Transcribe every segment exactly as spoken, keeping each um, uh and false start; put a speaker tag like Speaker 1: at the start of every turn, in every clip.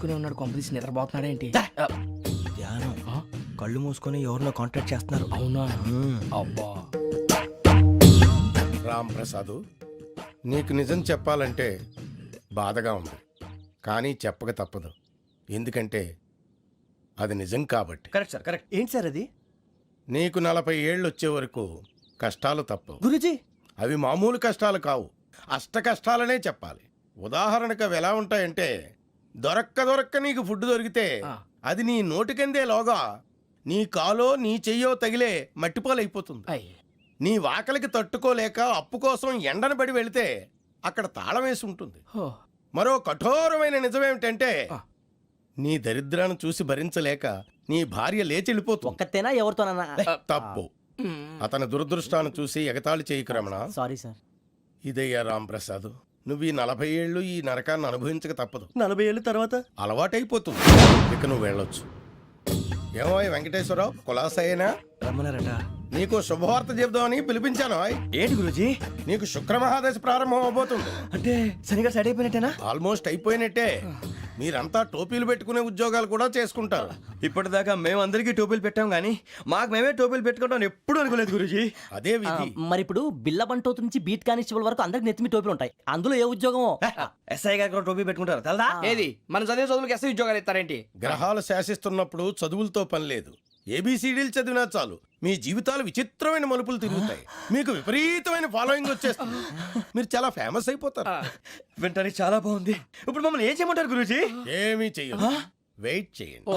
Speaker 1: మూసుకునే ఉన్నాడు, కొంపదీసి నిద్రపోతున్నాడు ఏంటి?
Speaker 2: ధ్యానం కళ్ళు మూసుకొని ఎవరినో కాంటాక్ట్ చేస్తున్నారు.
Speaker 1: అవునా? అబ్బా
Speaker 3: రామ్ ప్రసాద్, నీకు నిజం చెప్పాలంటే బాధగా ఉంది, కానీ చెప్పక తప్పదు. ఎందుకంటే అది నిజం కాబట్టి.
Speaker 2: Correct sir, correct. ఏంటి సార్ అది?
Speaker 3: నీకు నలభై ఏళ్ళు వచ్చే వరకు కష్టాలు తప్పవు
Speaker 2: గురూజీ.
Speaker 3: అవి మామూలు కష్టాలు కావు, అష్ట కష్టాలనే చెప్పాలి. ఉదాహరణకు అవి ఎలా ఉంటాయంటే, దొరక్క దొరక్క నీకు ఫుడ్ దొరికితే అది నీ నోటికందే లోగా నీ కాలో నీ చెయ్యో తగిలే మట్టిపాలైపోతుంది. నీ వాకలికి తట్టుకోలేక అప్పు కోసం ఎండను పడి వెళితే అక్కడ తాళం వేసి ఉంటుంది. మరో కఠోరమైన నిజమేమిటంటే, నీ దరిద్రాన్ని చూసి భరించలేక నీ భార్య లేచి వెళ్ళిపోతుంది.
Speaker 4: ఒక్కతేనా ఎవరితోనన్నా?
Speaker 3: తప్పు. అతని దురదృష్టాన్ని చూసి ఎగతాళి చేయకు రమణ.
Speaker 4: Sorry sir.
Speaker 3: ఇదయ్యా రాంప్రసాద్, నువ్వు ఈ నలభై ఏళ్ళు ఈ నరకాన్ని అనుభవించక తప్పదు.
Speaker 2: నలభై ఏళ్ళ తర్వాత
Speaker 3: అలవాటైపోతుంది, ఇక నువ్వు వెళ్ళొచ్చు. ఏమో వెంకటేశ్వరరావు, కులాసైనా
Speaker 2: రమ్మన్నారట.
Speaker 3: నీకు శుభవార్త చెబుదామని పిలిపించాను.
Speaker 2: ఏంటి గురూజీ?
Speaker 3: నీకు శుక్రమహాదశ ప్రారంభం అవబోతుంది.
Speaker 2: అంటే సరిగా సెట్ అయిపోయినట్టేనా?
Speaker 3: ఆల్మోస్ట్ అయిపోయినట్టే. మీరంతా టోపీలు పెట్టుకునే ఉద్యోగాలు కూడా చేసుకుంటారు.
Speaker 2: ఇప్పటిదాకా మేము అందరికీ టోపీలు పెట్టాం కానీ మాకు మేమే టోపీలు పెట్టుకుంటాం ఎప్పుడు అనుకోలేదు గురూజీ.
Speaker 3: అదే విధి.
Speaker 4: మరి ఇప్పుడు బిల్ల బంటోతు నుంచి బీట్ కానిస్టేబుల్ వరకు అందరికి నెత్తిమి టోపీలు ఉంటాయి. అందులో ఏ ఉద్యోగం?
Speaker 2: ఎస్ఐ గారు కూడా టోపీ పెట్టుకుంటారు తెలదా?
Speaker 1: ఏది మన చదివే చదువులకు ఎస్ఐ ఉద్యోగాలు ఇస్తారేంటి?
Speaker 3: గ్రహాలు శాసిస్తున్నప్పుడు చదువులతో పని లేదు. ఏబిసిడీలు చదివినా చాలు మీ జీవితాలు విచిత్రమైన మలుపులు తిరుగుతాయి. మీకు విపరీతమైన ఫాలోయింగ్ వచ్చేస్తుంది. మీరు చాలా ఫేమస్ అయిపోతారు.
Speaker 2: వింటానికి చాలా బాగుంది. ఇప్పుడు మమ్మల్ని ఏం చేయమంటారు గురూజీ?
Speaker 3: ఏమీ చెయ్యదు, వెయిట్ చేయండి.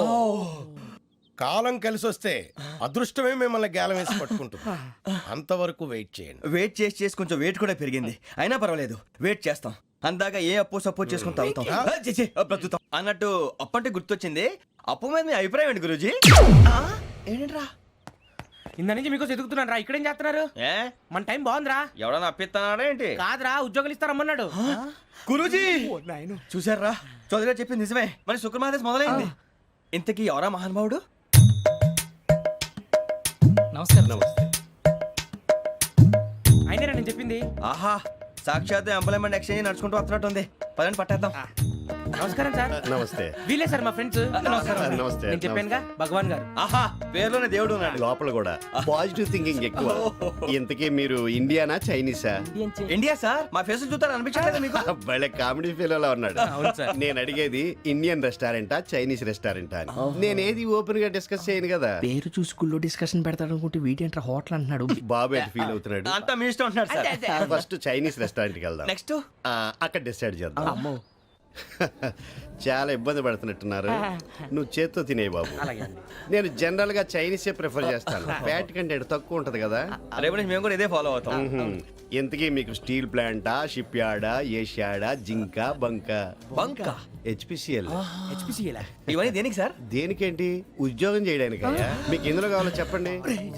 Speaker 3: కాలం కలిసి వస్తే అదృష్టమే మిమ్మల్ని గేలం వేసి పట్టుకుంటుంది. అంతవరకు వెయిట్ చేయండి.
Speaker 2: వెయిట్ చేసి చేసి కొంచెం వెయిట్ కూడా పెరిగింది. అయినా పర్వాలేదు, వెయిట్ చేస్తాం. అందాక ఏ అప్పు సపోర్ట్ చేసుకుని తాగుతాం, బ్రతుకుతాం అన్నట్టు. అప్పు అంటే గుర్తొచ్చింది, అప్పు మీద మీ అభిప్రాయం ఏంటి గురూజీ? ఏంటరా
Speaker 1: ఇంత నుంచి మీకు ఎదుగుతున్నాను రా, ఇక్కడేం చేస్తున్నారు?
Speaker 2: ఏ
Speaker 1: మన టైం బాగుందిరా.
Speaker 2: ఎవడన్నా అప్పిస్తున్నాడా ఏంటి?
Speaker 1: కాదురా, ఉద్యోగాలు ఇస్తారమ్మన్నాడు
Speaker 2: గురూజీ. చూసారా, చౌదరిగా చెప్పింది నిజమే. మరి శుక్రమహాదేశ్ మొదలైంది. ఇంతకీ ఎవరా మహానుభావుడు?
Speaker 1: నమస్కారం. నమస్తే. అయినా నేను చెప్పింది.
Speaker 2: ఆహా, సాక్షాత్ ఎంప్లాయ్మెంట్ ఎక్స్చేంజ్ నడుచుకుంటూ వస్తున్నట్టు ఉంది. పదండి పట్టేద్దాం.
Speaker 1: నమస్కారం సార్.
Speaker 5: నమస్తే.
Speaker 1: వీలే సార్ మా ఫ్రెండ్స్.
Speaker 5: నమస్తే.
Speaker 1: నేను చెప్పానుగా, భగవాన్ గారు.
Speaker 2: ఆహా, పేరులోనే దేవుడు ఉన్నాడు.
Speaker 5: లోపల కూడా పాజిటివ్ థింకింగ్ ఎక్కువ. ఇంతకీ మీరు ఇండియానా చైనీసా?
Speaker 2: India sir. మా ఫేస్ చూస్తారు అనిపించలేదు మీకు?
Speaker 5: భలే కామెడీ ఫీల్ లా ఉన్నాడు. నేను అడిగేది ఇండియన్ రెస్టారెంటా చైనీస్ రెస్టారెంటా అని. నేను ఏది ఓపెన్ గా డిస్కస్ చేయను కదా.
Speaker 1: పేరు చూసి స్కూల్లో డిస్కషన్ పెడతాడు అనుకుంటే వీటేంట్రా హోటల్ అంటున్నాడు.
Speaker 5: బాబు ఎట్ ఫీల్ అవుతున్నాడు.
Speaker 2: అంతా మీ ఇష్టం ఉంటున్నారు సార్.
Speaker 5: ఫస్ట్ చైనీస్ రెస్టారెంట్ కి వెళ్దాం.
Speaker 2: నెక్స్ట్
Speaker 5: అక్కడ డిసైడ్ చేద్దాం. చాలా ఇబ్బంది పడుతున్నట్టున్నారు. నువ్వు చేత్తో తినే బాబు. నేను జనరల్ గా చైనీసే ప్రిఫర్ చేస్తాను. ఫ్యాట్ కంటెంట్ తక్కువ ఉంటది కదా.
Speaker 2: రేపు నుంచి మేము కూడా ఇదే ఫాలో అవుతాం.
Speaker 5: ఎంతకీ మీకు స్టీల్ ప్లాంటా, షిప్ యార్డా, ఏషియాడా, జింక, బంక?
Speaker 2: బంక,
Speaker 5: హెచ్పిసిఎల్.
Speaker 1: హెచ్పిసిఎల్
Speaker 2: ఇవన్నీ దేనికి సార్?
Speaker 5: దేనికేంటి? ఉద్యోగం చేయడానికి. మీకు ఎందులో కావాలో చెప్పండి.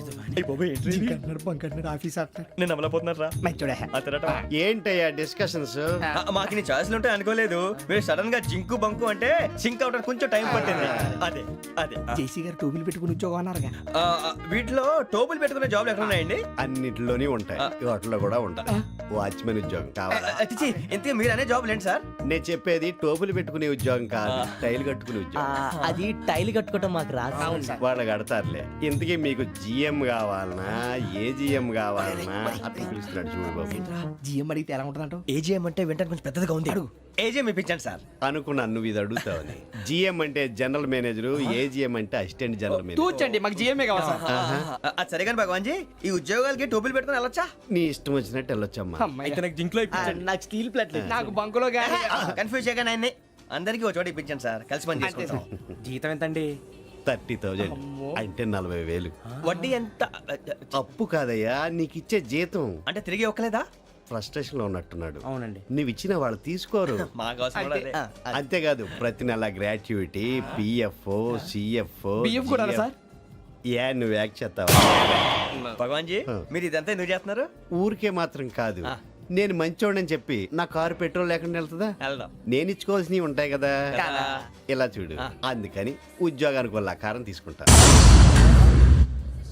Speaker 2: నేను అమలపోతున్నారా?
Speaker 5: ఏంటయ్యా డిస్కషన్స్?
Speaker 2: మాకు నీ ఛాయిస్లు ఉంటాయి అనుకోలేదు. మీరు సడన్ గా జింకు బంకు అంటే సింక్ అవడానికి కొంచెం టైం పట్టింది. అదే అదే
Speaker 1: జేసీ గారు టోపీలు పెట్టుకుని ఉద్యోగం అన్నారుగా.
Speaker 2: ఆ, వీటిలో టోపులు పెట్టుకునే జాబ్లు ఎక్కడ ఉన్నాయండి?
Speaker 5: అన్నిటిలోనే ఉంటాయి, వాటిలో కూడా ఉంటాయి. వాచ్మెన్ ఉద్యోగం కావాలా?
Speaker 2: అతిచి ఇంతకీ మీరు అనే జాబ్ ఏంటి సార్?
Speaker 5: నేను చెప్పేది టోపులు పెట్టుకునే ఉద్యోగం కాదు, టైల్ కట్టుకునే ఉద్యోగం.
Speaker 4: అది టైల్ కట్టుకోవటం మాకు రాదు.
Speaker 5: వాళ్ళు కడతారులే. ఇంతకీ మీకు జిఎం కావాలనా, ఏ జిఎం కావాలనా? అట్లా పిలుస్తున్నాడు చూడు బాబు.
Speaker 1: జిఎం అడిగితే ఎలా ఉంటుందంట?
Speaker 2: ఏజీఎం అంటే వింటానికి కొంచెం పెద్దదిగా ఉంది. అడుగు. ఏజీఎం ఇప్పించండి సార్.
Speaker 5: అనుకున్నాను నువ్వు ఇది అడుగుతావని. జిఎం అంటే జనరల్ మేనేజర్, ఏజిఎం అంటే అసిస్టెంట్ జనరల్ మేనేజర్.
Speaker 1: తూచండి, మాకు జిఎంఏ కావాలి సార్.
Speaker 2: అది సరే కానీ భగవాన్ జీ, ఈ ఉద్యోగాలకి టోపులు పెట్టుకుని వెళ్ళొచ్చా?
Speaker 5: నీ ఇష్టం వచ్చినట్టు వెళ్ళొచ్చమ్మా.
Speaker 1: అయితే నాకు జింక్లో
Speaker 4: నాకు స్టీల్ ప్లేట్,
Speaker 1: నాకు బంకులో గానీ.
Speaker 2: కన్ఫ్యూజ్ చేయగానే ఆయన్ని అందరికీ ఒక చోట ఇప్పించండి సార్, కలిసి పని చేసుకుంటాం.
Speaker 1: జీతం ఎంతండి?
Speaker 5: థర్టీ థౌజండ్ అంటే నలభై వేలు.
Speaker 2: వడ్డీ ఎంత?
Speaker 5: అప్పు కాదయ్యా, నీకు ఇచ్చే జీతం.
Speaker 2: అంటే తిరిగి ఒక్కలేదా?
Speaker 5: ఫ్రస్ట్రేషన్ లో ఉన్నట్టున్నాడు.
Speaker 1: అవునండి.
Speaker 5: నువ్వు ఇచ్చిన వాళ్ళు తీసుకోరు.
Speaker 2: మాకు అవసరం కూడా అదే.
Speaker 5: అంతేకాదు ప్రతి నెల గ్రాట్యుటీ, పిఎఫ్, సిఎఫ్.
Speaker 1: బిఎఫ్ కూడా సార్?
Speaker 5: ఏ నువ్వు యాక్ట్ చేస్తావా?
Speaker 2: భగవాన్ జీ, మీరు ఇదంతా ఎందుకు చేస్తున్నారు?
Speaker 5: ఊరికే మాత్రం కాదు, నేను మంచోడని చెప్పి నా కారు పెట్రోల్ లేకుండా వెళ్తుందా?
Speaker 2: వెళ్దాం.
Speaker 5: నేను ఇచ్చుకోవాల్సినవి ఉంటాయి కదా. ఇలా చూడు, అందుకని ఉద్యోగానికి వాళ్ళ ఆకారం తీసుకుంటా.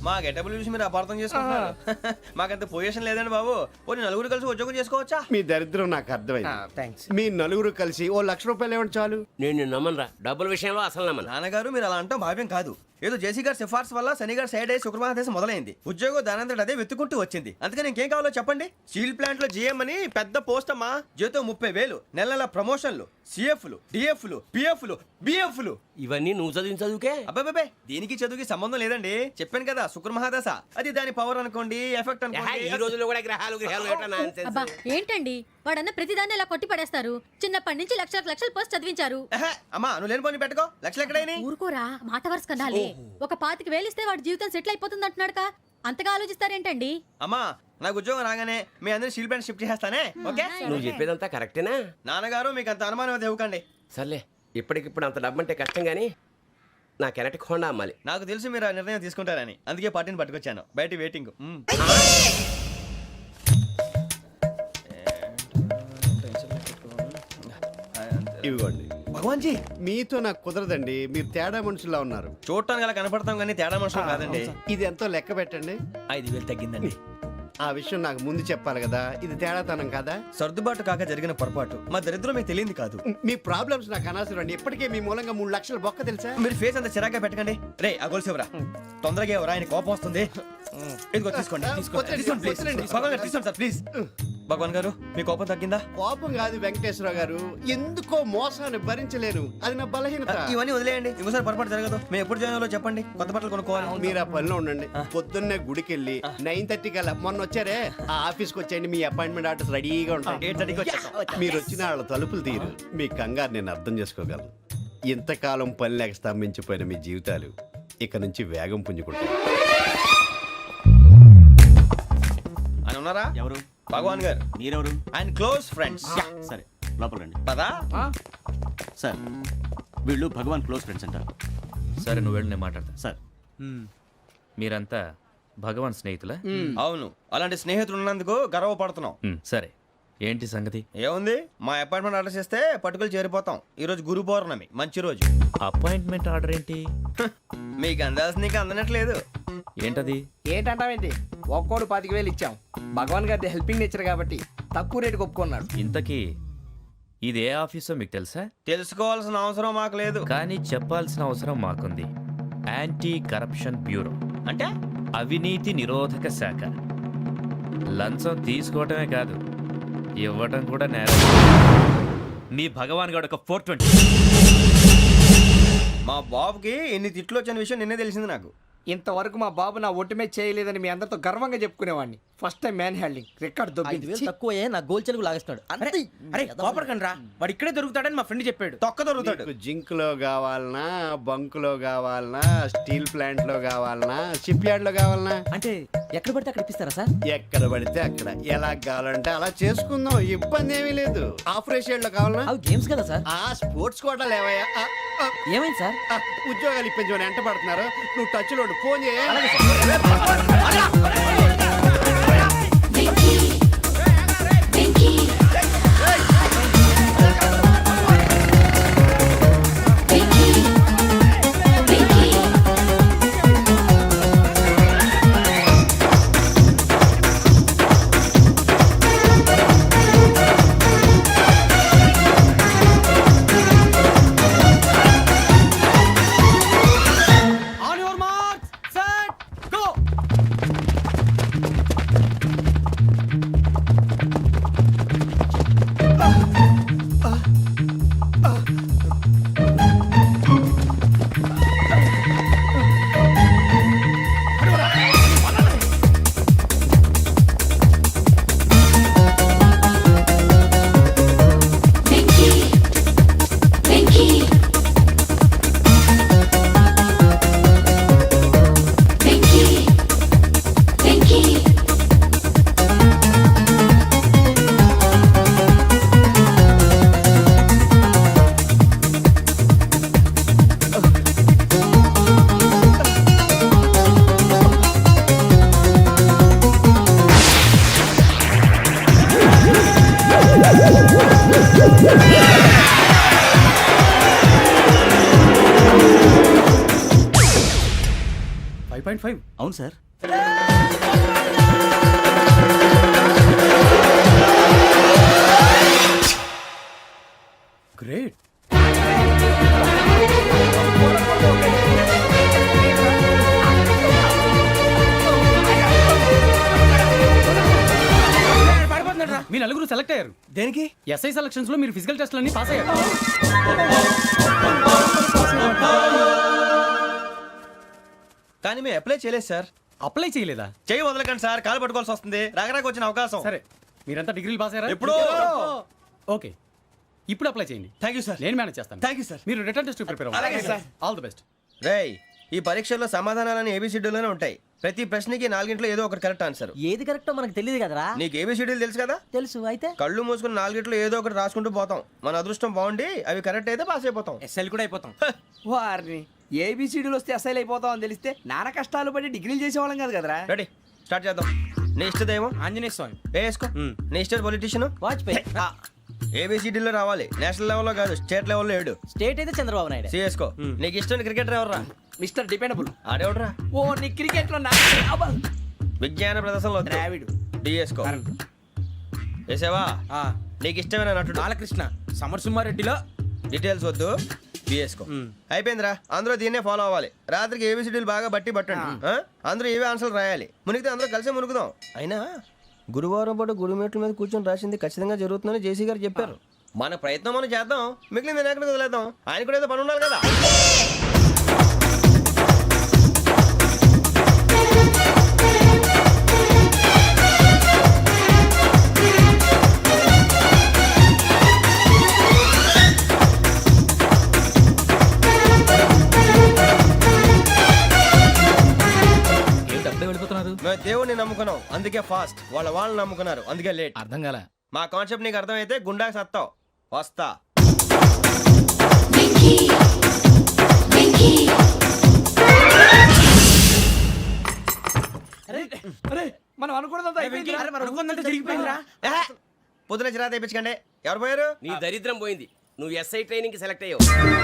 Speaker 2: మా గెటబుల్ చూసి మీరు అపార్థం చేసుకుంటున్నారు. మాకంత పొజిషన్ లేదండి బాబు. ఓ నలుగురు కలిసి ఉద్యోగం చేసుకోవచ్చా?
Speaker 5: మీ దరిద్రం నాకు అర్థమైంది.
Speaker 1: థ్యాంక్స్.
Speaker 5: మీ నలుగురు కలిసి ఓ లక్ష రూపాయలు ఇవ్వండి చాలు.
Speaker 6: నేను నమ్మనరా డబ్బుల విషయంలో అసలు నమ్మను.
Speaker 2: నాన్నగారు మీరు అలా అంటాం భావ్యం కాదు. ఏదో జేసీ గారి సిఫార్సు వల్ల శని గారు సైడ్ అయ్యి శుక్రమహాదేశం మొదలైంది. ఉద్యోగం దానంతటి అదే వెతుకుంటూ వచ్చింది. అందుకని ఇంకేం కావాలో చెప్పండి. స్టీల్ ప్లాంట్ లో జీఎం అని పెద్ద పోస్ట్ అమ్మా. జీతం ముప్పై వేలు, నెల నెల ప్రమోషన్లు, సిఎఫ్లు, డిఎఫ్లు, పిఎఫ్లు, బిఎఫ్లు.
Speaker 6: ఇవన్నీ నువ్వు చదివిన చదువుకే.
Speaker 2: అబ్బాబే దీనికి చదువుకి సంబంధం లేదండి. చెప్పాను కదా శుక్రమహాదశ. అది దాని పవర్ అనుకోండి, ఎఫెక్ట్
Speaker 6: ఏహే, ఈ
Speaker 2: అనుకోండి.
Speaker 6: రోజుల్లో కూడా గ్రహాలు గ్రహాలు ఎట్లా nonsense?
Speaker 7: అబ్బా ఏంటండి వాడన్న ప్రతిదాన్ని ఇలా కొట్టి పడేస్తారు. చిన్నప్పటి నుంచి లక్షలకు లక్షలు పోస్ట్ చదివించారు.
Speaker 2: ఏహే, అమ్మా నువ్వు లేని పోనీ పెట్టుకో. లక్షలు ఎక్కడైనా
Speaker 7: ఊరుకోరా మాట వరుస కదాలే. ఒక పాతికి వేలిస్తే వాడి జీవితం సెటిల్ అయిపోతుంది అంటున్నాడుగా. అంతగా ఆలోచిస్తారేంటండి?
Speaker 2: అమ్మా నాకు ఉద్యోగం రాగానే మీ అందరినీ స్టీల్ ప్లాంట్ షిఫ్ట్ చేస్తానే. ఓకే
Speaker 6: నువ్వు చెప్పేదంతా కరెక్టేనా?
Speaker 2: నాన్నగారు మీకు అంత అనుమానం అది ఇవ్వకండి.
Speaker 6: సర్లే, ఇప్పటికిప్పుడు అంత డబ్బు అంటే కష్టం కానీ నా కెనటిక్ హోండా అమ్మాలి.
Speaker 2: నాకు తెలుసు మీరు ఆ నిర్ణయం తీసుకుంటారని, అందుకే పార్టీని పట్టుకొచ్చాను. బయట వెయిటింగ్. మ్మ్.
Speaker 5: ఇవ్వండి.
Speaker 2: భగవాన్ జీ
Speaker 5: మీతో నాకు కుదరదండి. మీరు తేడా మనుషుల్లా ఉన్నారు.
Speaker 2: చూడటానికి అలా కనపడతాం కానీ తేడా మనుషులు కాదండి.
Speaker 5: ఇది ఎంతో లెక్క పెట్టండి.
Speaker 2: ఐదు వేలు తగ్గిందండి.
Speaker 5: ఆ విషయం నాకు ముందు చెప్పాలి కదా. ఇది తేడాతనం కదా.
Speaker 2: సర్దుబాటు కాక జరిగిన పొరపాటు. మా దరిద్రం మీకు తెలియంది కాదు.
Speaker 5: మీ ప్రాబ్లమ్స్ నాకు అనవసరం అండి. ఇప్పటికే మీ మూలంగా మూడు లక్షలు బొక్క తెలుసా.
Speaker 2: మీరు ఫేస్ అంత చిరాగ్గా పెట్టకండి. రే ఆ గొలుసు ఎవరా? తొందరగా ఎవరా? ఆయన కోపం వస్తుంది. ఇదిగో తీసుకోండి. తీసుకోండి.
Speaker 5: వద్దండి,
Speaker 2: తీసుకోండి, please.
Speaker 5: వద్దండి.
Speaker 2: భగవాన్ గారు తీసుకోండి సార్ ప్లీజ్. భగవాన్ గారు మీ కోపం తగ్గిందా?
Speaker 5: కోపం కాదు వెంకటేశ్వర గారు, ఎందుకో మోసాన్ని భరించలేను. అది నా బలహీనత.
Speaker 2: ఇవన్నీ వదిలేయండి. ఇంకోసారి పొరపాటు జరగదు. మేము ఎప్పుడు జాయిన్ అవ్వాలో చెప్పండి. కొత్త బట్టలు కొనుక్కోవాలి.
Speaker 5: మీరు ఆ పనిలో ఉండండి. పొద్దున్నే గుడికి వెళ్ళి నైన్ థర్టీ కల్లా మొన్న వచ్చారే ఆ ఆఫీస్కి వచ్చేయండి. మీ అపాయింట్మెంట్ ఆర్డర్స్ రెడీగా ఉంటాయి.
Speaker 2: ఎయిట్ థర్టీకి వచ్చేస్తాం.
Speaker 5: మీరు వచ్చిన వాళ్ళ తలుపులు తీరు. మీ కంగారు నేను అర్థం చేసుకోగలను. ఇంతకాలం పని లేక స్తంభించిపోయిన మీ జీవితాలు ఇక నుంచి వేగం పుంజుకుంటాయి.
Speaker 2: ఆయన ఉన్నారా?
Speaker 8: ఎవరు?
Speaker 2: భగవాన్ గారు.
Speaker 8: మీరెవరు?
Speaker 2: ఆయన క్లోజ్ ఫ్రెండ్స్.
Speaker 8: సరే లోపల రండి.
Speaker 2: పదా
Speaker 8: సార్ వీళ్ళు భగవాన్ క్లోజ్ ఫ్రెండ్స్ అంటారు.
Speaker 9: సరే నువ్వు వెళ్ళి నేను మాట్లాడతా.
Speaker 8: సార్
Speaker 9: మీరంతా భగవాన్ స్నేహితులా?
Speaker 2: అవును, అలాంటి స్నేహితులు ఉన్నందుకు గర్వపడుతున్నాం.
Speaker 9: మ్, సరే ఏంటి సంగతి?
Speaker 2: ఏముంది, మా అపాయింట్మెంట్ ఆర్డర్ చేస్తే పట్టుకులు చేరిపోతాం. ఈ రోజు గురు పౌర్ణమి, మంచి రోజు.
Speaker 9: అపాయింట్మెంట్ ఆర్డర్ ఏంటి?
Speaker 2: హ, మీకు అందాల్సిన నీకు అందనట్లేదు.
Speaker 9: ఏంటది?
Speaker 1: ఏంటంటావేంటి? ఒక్కోడు పాతిక వేలు ఇచ్చాం. భగవాన్ గారి హెల్పింగ్ నేచర్ కాబట్టి తక్కువ రేటుకి ఒప్పుకున్నాడు.
Speaker 9: ఇంతకీ ఇది ఏ ఆఫీసో మీకు తెలుసా?
Speaker 2: తెలుసుకోవాల్సిన అవసరం మాకు లేదు.
Speaker 9: కానీ చెప్పాల్సిన అవసరం మాకుంది. యాంటీ కరప్షన్ బ్యూరో
Speaker 2: అంటే
Speaker 9: అవినీతి నిరోధక శాఖ. లంచం తీసుకోవటమే కాదు, ఇవ్వటం కూడా నేరం. మీ భగవాన్ గారు ఒక ఫోర్ ట్వంటీ.
Speaker 2: మా బాబుకి ఎన్ని తిట్లు వచ్చిన విషయం నిన్నే తెలిసింది నాకు.
Speaker 1: ఇంతవరకు మా బాబు నా ఒట్టుమే చేయలేదని మీ అందరితో గర్వంగా చెప్పుకునేవాడిని. First time man handing record
Speaker 4: ఐదు
Speaker 1: దొబ్బింది.
Speaker 4: వేలు తక్కువే నా గోల్ చెలుగు లాగేస్తున్నాడు. అంతే.
Speaker 1: అరే కోపడకండి రా, వాడు ఇక్కడే దొరుకుతాడని మా ఫ్రెండ్ చెప్పాడు.
Speaker 2: తొక్క దొరుకుతాడు.
Speaker 5: మీకు జింక్ లో కావాలనా, బంక్ లో కావాలనా, స్టీల్ ప్లాంట్ లో కావాలనా, షిప్ యార్డ్ లో కావాలనా?
Speaker 4: అంటే ఎక్కడ పడితే అక్కడ ఇప్పిస్తారా సార్?
Speaker 5: ఎక్కడ పడితే అక్కడ, ఎలా కావాలంటే అలా చేసుకుందాం. ఇబ్బంది ఏమీ లేదు. ఆపరేషన్ లో కావాలనా?
Speaker 4: అవి గేమ్స్ కదా సార్.
Speaker 5: ఆ స్పోర్ట్స్ కోటా లేవయ్యా. ఆ, ఆ,
Speaker 4: ఏమైంది సార్?
Speaker 5: ఆ, ఉద్యోగాలు ఇప్పించమని ఎంట పడుతున్నారు. నువ్వు టచ్ లో ఉండు. ఫోన్ చేయ.
Speaker 8: పాయింట్ ఫైవ్ అవును సార్. గ్రేట్. మీ నలుగురు సెలెక్ట్ అయ్యారు.
Speaker 2: దేనికి?
Speaker 8: ఎస్ఐ సెలక్షన్స్ లో మీరు ఫిజికల్ టెస్ట్ అన్ని పాస్ అయ్యారు.
Speaker 2: కానీ మేము అప్లై చేయలేదు సార్.
Speaker 8: అప్లై చేయలేదా?
Speaker 2: చేయి వదలకండి సార్, కాలు పట్టుకోవాల్సి వస్తుంది. రాగరాకు వచ్చిన అవకాశం.
Speaker 8: సరే, మీరంతా డిగ్రీలు పాస్ అయ్యారా?
Speaker 2: ఎప్పుడో.
Speaker 8: ఓకే, ఇప్పుడు అప్లై చేయండి.
Speaker 2: Thank you sir.
Speaker 8: నేను మేనేజ్ చేస్తాను.
Speaker 2: Thank you sir.
Speaker 8: మీరు రిటర్న్ టెస్ట్ ప్రిపేర్
Speaker 2: అలాగే
Speaker 8: అవ్వండి.
Speaker 2: సార్.
Speaker 8: All the best.
Speaker 2: రేయ్, ఈ పరీక్షల్లో సమాధానాలని ఏబిసిడ్యూల్లోనే ఉంటాయి. ప్రతి ప్రశ్నకి నాలుగింట్లో ఏదో ఒకటి కరెక్ట్ ఆన్సర్.
Speaker 4: ఏది కరెక్టో మనకు తెలియదు కదరా.
Speaker 2: నీకు ఏబిసిడ్యూల్ తెలుసు కదా?
Speaker 4: తెలుసు. అయితే
Speaker 2: కళ్ళు మూసుకుని నాలుగింట్లో ఏదో ఒకటి రాసుకుంటూ పోతాం. మన అదృష్టం బాగుండి అవి కరెక్ట్ అయితే పాస్ అయిపోతాం.
Speaker 1: ఎస్ఎల్ కూడా అయిపోతాం. వారిని ఏబిసిడీలు వస్తే ఎస్ఐలు అయిపోతాం అని తెలిస్తే నాన్న కష్టాలు పడి డిగ్రీలు చేసేవాళ్ళం కాదు కదరా.
Speaker 2: రెడీ, స్టార్ట్ చేద్దాం. నీ ఇష్టదేమో
Speaker 1: ఆంజనేయ స్వామి.
Speaker 2: వేసుకో. నీ ఇష్ట పొలిటీషియన్
Speaker 4: వాజ్పేయి.
Speaker 2: ఏబిసిడీలో రావాలి. నేషనల్ లెవెల్లో కాదు, స్టేట్ లెవెల్లో ఏడు.
Speaker 4: స్టేట్ అయితే చంద్రబాబు నాయుడు.
Speaker 2: సిఎస్కో. నీకు ఇష్టం క్రికెటర్ ఎవర్రా?
Speaker 1: Mister dependable.
Speaker 2: ఆడేవడరా?
Speaker 1: ఓ నీ క్రికెట్ లో
Speaker 2: విజ్ఞాన ప్రదర్శనలో
Speaker 1: ద్రావిడు.
Speaker 2: డిఎస్కో. వేసావా? నీకు ఇష్టమైన నటుడు?
Speaker 1: బాలకృష్ణ. సమర్సింహారెడ్డిలో
Speaker 2: డీటెయిల్స్ వద్దు, బిఎస్కో. అయిపోయిందిరా. అందరూ దీన్నే ఫాలో అవ్వాలి. రాత్రికి ఏబిసిడీలు బాగా బట్టి పట్టండి. ఆ? అందరూ ఏవే ఆన్సర్లు రాయాలి. మునిగితే అందరూ కలిసే మునుగుదాం. అయినా గురువారం పాటు గురుమేట్ల మీద కూర్చొని రాసింది ఖచ్చితంగా జరుగుతుందని జేసీ గారు చెప్పారు. మన ప్రయత్నం మనం చేద్దాం, మిగిలింది నేను ఎక్కడికి వదిలేద్దాం. ఆయన కూడా ఏదో పని ఉండాలి కదా.
Speaker 8: వెళ్ళిపోతున్నారు.
Speaker 2: మేము దేవుడిని నమ్ముకున్నాం, అందుకే ఫాస్ట్. వాళ్ళ వాళ్ళని నమ్ముకున్నారు, అందుకే లేట్.
Speaker 8: అర్థం కాలే.
Speaker 2: మా కాన్సెప్ట్ నీకు అర్థమైతే గుండా సత్తావు. వస్తా.
Speaker 1: మనం అనుకున్నదంతా జరిగిపోయిందిరా.
Speaker 2: పొద్దున చిరా తెప్పించకండి. ఎవరు పోయారు?
Speaker 6: నీ దరిద్రం పోయింది. నువ్వు ఎస్ఐ ట్రైనింగ్ సెలెక్ట్ అయ్యావు.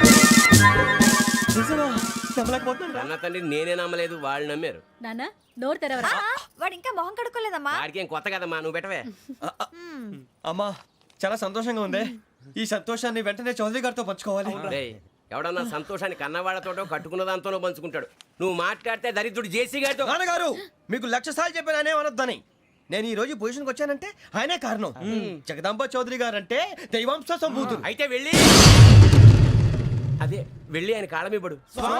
Speaker 6: అన్న తండ్రి నేనే నమ్మలేదు, వాళ్ళు నమ్మారు.
Speaker 7: నాన్న నోరు తెరవరా.
Speaker 10: వాడు ఇంకా మొహం కడుక్కోలేదమ్మా.
Speaker 6: వాడికి ఏం కొత్త కదమ్మా, నువ్వు పెట్టవే.
Speaker 2: అమ్మా, చాలా సంతోషంగా ఉంది. ఈ సంతోషాన్ని వెంటనే చౌదరి గారితో పంచుకోవాలి.
Speaker 6: రేయ్, ఎవడన్నా సంతోషాన్ని కన్నవాళ్లతోటో కట్టుకున్న దాంతోనో పంచుకుంటాడు. నువ్వు మాట్లాడితే దరిద్రుడు జేసీ గారితో.
Speaker 2: నాన్నగారు, మీకు లక్ష సార్లు చెప్పాను అనే అనొద్దని. నేను ఈ రోజు పొజిషన్కి వచ్చానంటే ఆయనే కారణం. జగదాంబ చౌదరి గారు అంటే దైవాంశ సంభూతుడు.
Speaker 6: అయితే వెళ్ళి అదే వెళ్ళి ఆయన కాళ్ళమివ్వడు.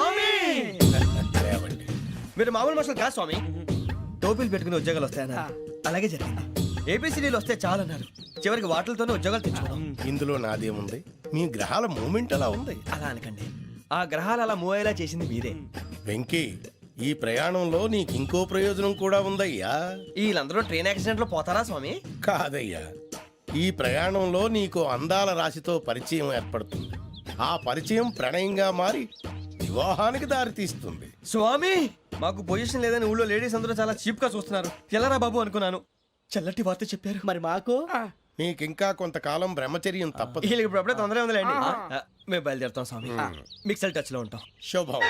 Speaker 2: మీరు మామూలు మనుషులు కాదు స్వామి. టోపీలు పెట్టుకుని ఉద్యోగాలు వస్తాయన్నారు, అలాగే జరిగింది. ఏబిసిడీలు వస్తే చాలన్నారు, చివరికి వాటిలతోనే ఉద్యోగాలు తెచ్చుకున్నాం.
Speaker 3: ఇందులో నాదేముంది? మీ గ్రహాల మూమెంట్ అలా ఉంది.
Speaker 2: అలా అనకండి, ఆ గ్రహాలు అలా మూవ్ అయ్యేలా చేసింది మీరే.
Speaker 3: వెంకీ, ఈ ప్రయాణంలో నీకు ఇంకో ప్రయోజనం కూడా ఉందయ్యా.
Speaker 2: వీళ్ళందరూ ట్రైన్ యాక్సిడెంట్ లో పోతారా స్వామి?
Speaker 3: కాదయ్యా, ఈ ప్రయాణంలో నీకు అందాల రాశితో పరిచయం ఏర్పడుతుంది. ఆ పరిచయం ప్రణయంగా మారి వివాహానికి దారితీస్తుంది.
Speaker 2: స్వామి, మాకు పొజిషన్ లేదని ఊళ్ళో లేడీస్ అందరూ చాలా చీప్ గా చూస్తున్నారు. ఎలారా బాబు అనుకున్నాను. చల్లటి వార్త చెప్పారు.
Speaker 4: మరి మాకు
Speaker 3: నీకింకా కొంతకాలం బ్రహ్మచర్యం తప్పదు.
Speaker 2: వీళ్ళకి ఇప్పుడు అప్పుడే తొందరగా ఉందిలేండి. ఆ, మేము బయలుదేరుతాం స్వామి. మిక్సల్ టచ్ లో ఉంటాం.
Speaker 3: శుభం.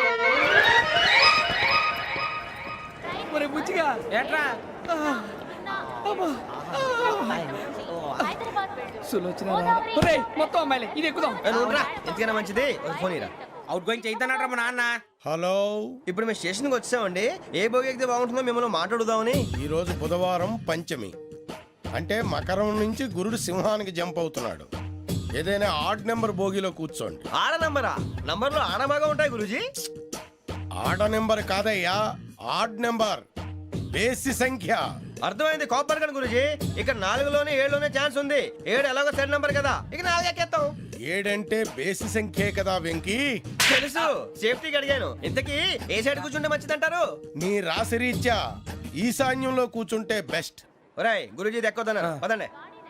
Speaker 1: మరి బుచ్చిగా ఏట్రా సులోచన మొత్తం అమ్మాయిలే, ఇది ఎక్కుదాం.
Speaker 2: ఏ, నువ్వు రా. ఎందుకైనా మంచిది ఒక ఫోన్ ఇరా.
Speaker 1: అవుట్ గోయింగ్ చేద్దానట్రా మా నాన్న.
Speaker 3: హలో,
Speaker 2: ఇప్పుడు మేము స్టేషన్కి వచ్చామండి. ఏ బోగి ఎక్కితే బాగుంటుందో మిమ్మల్ని మాట్లాడుదామని.
Speaker 3: ఈరోజు బుధవారం పంచమి, అంటే మకరం నుంచి గురుడు సింహానికి జంప్ అవుతున్నాడు. ఏదైనా ఆడ్ నెంబర్ బోగిలో కూర్చోండి.
Speaker 2: ఆడ నంబరా? నంబర్లో ఆడ బాగా ఉంటాయి గురూజీ.
Speaker 3: ఆడ నెంబర్ కాదయ్యా, ఆడ్ నెంబర్, బేసి సంఖ్య.
Speaker 2: అర్థమైంది. కాపర్ కానీ గురూజీ, ఇక్కడ నాలుగులోనే ఏడులోనే ఛాన్స్ ఉంది. ఏడు ఎలాగో సెడ్ నంబర్ కదా, ఇక నాలుగు ఎక్కేస్తాం.
Speaker 3: ఏడంటే బేసి సంఖ్యే కదా వెంకీ.
Speaker 2: తెలుసు, సేఫ్టీకి అడిగాను. ఇంతకీ ఏ సైడ్ కూర్చుంటే మంచిదంటారు?
Speaker 3: నీ రాశి రీత్యా ఈశాన్యంలో కూర్చుంటే బెస్ట్.
Speaker 2: ఒరాయ్, గురూజీ దెక్కొద్దన్నారు, పదండి.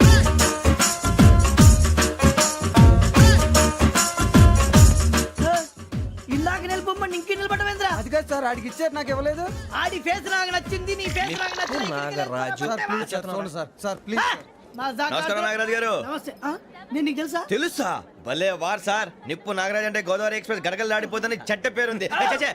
Speaker 4: ఇందాక నిలబొమ్మని ఇంకే నిలబడమేంద్రా?
Speaker 1: అది కాదు సార్, ఆడికి ఇచ్చారు నాకు ఇవ్వలేదు.
Speaker 4: ఆడి ఫేస్ నాకు నచ్చింది, నీ ఫేస్ నాకు నచ్చింది.
Speaker 2: నాగరాజు.
Speaker 1: Sir sir please.
Speaker 4: మా జాగా-
Speaker 2: నమస్కారం నాగరాజు గారు.
Speaker 4: నమస్తే. ఆ? నేను నీకు తెలుసా?
Speaker 2: తెలుసా? భలే వార్ సార్. నిప్పు నాగరాజ్ అంటే గోదావరి ఎక్స్ప్రెస్ గడగలు దాడిపోతుంది చెట్ట పేరుంది. ఛే, ఛే,